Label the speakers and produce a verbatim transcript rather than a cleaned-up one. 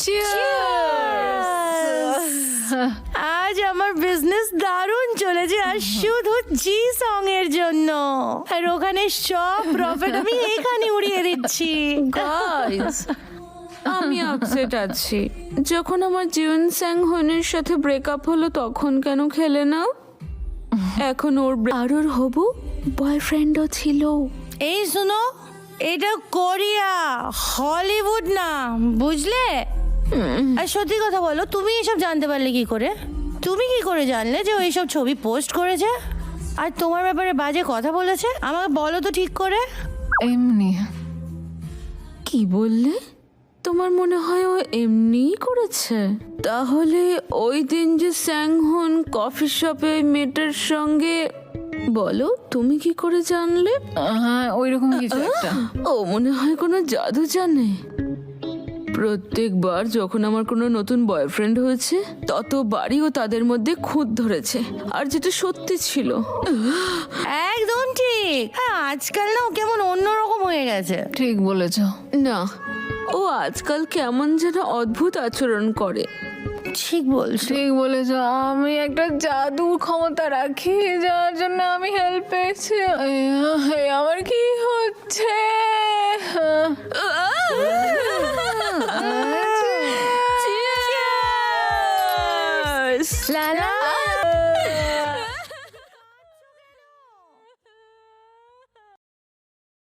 Speaker 1: আজ আমার বিজনেস দারুণ চলেছে আর শুধু জি সং এর জন্য, আর ওখানে সব প্রফিট আমি এখানে উড়িয়ে দিচ্ছি।
Speaker 2: গাইস, আমি আপসেট আছি। যখন আমার জিউন স্যাং হনের সাথে ব্রেকআপ হলো তখন কেন খেলে না? এখন ওর আর ওর হবু বয়ফ্রেন্ডও ছিল।
Speaker 1: এই শুনো, এটা কোরিয়া, হলিউড না, বুঝলে? আর সত্যি কথা বলো, তুমি এসব জানতে পারলে কি করে? তুমি কি করে জানলে যে ও এইসব ছবি পোস্ট করেছে আর তোমার ব্যাপারে বাজে কথা বলেছে? আমাকে বলো তো ঠিক করে।
Speaker 3: এমনি।
Speaker 2: কি বললে? তোমার মনে হয় ও এমনিই করেছে? তাহলে ওই দিন যে স্যাংহন কফি শপে ওই মেয়েটার সঙ্গে, বলো তুমি কি করে জানলে?
Speaker 3: হ্যাঁ, ওইরকম কিছু একটা।
Speaker 2: ও মনে হয় কোনো জাদু জানে। প্রত্যেকবার যখন আমার কোনো নতুন বয়ফ্রেন্ড হয়েছে ততবারই ও তাদের মধ্যে খুঁত ধরেছে, আর যেটা সত্যি ছিল।
Speaker 1: একদম ঠিক। হ্যাঁ, আজকাল না ও কেমন অন্যরকম হয়ে গেছে।
Speaker 3: ঠিক বলেছ।
Speaker 2: না, ও আজকাল কেমন যেন অদ্ভুত আচরণ করে।
Speaker 1: ঠিক বলছো।
Speaker 3: ঠিক বলেছ। আমি একটা জাদুর ক্ষমতা রাখি যার জন্য আমি হেল্প পেয়েছি। এই, আমার কি হচ্ছে?
Speaker 2: Cheers!
Speaker 1: লা লা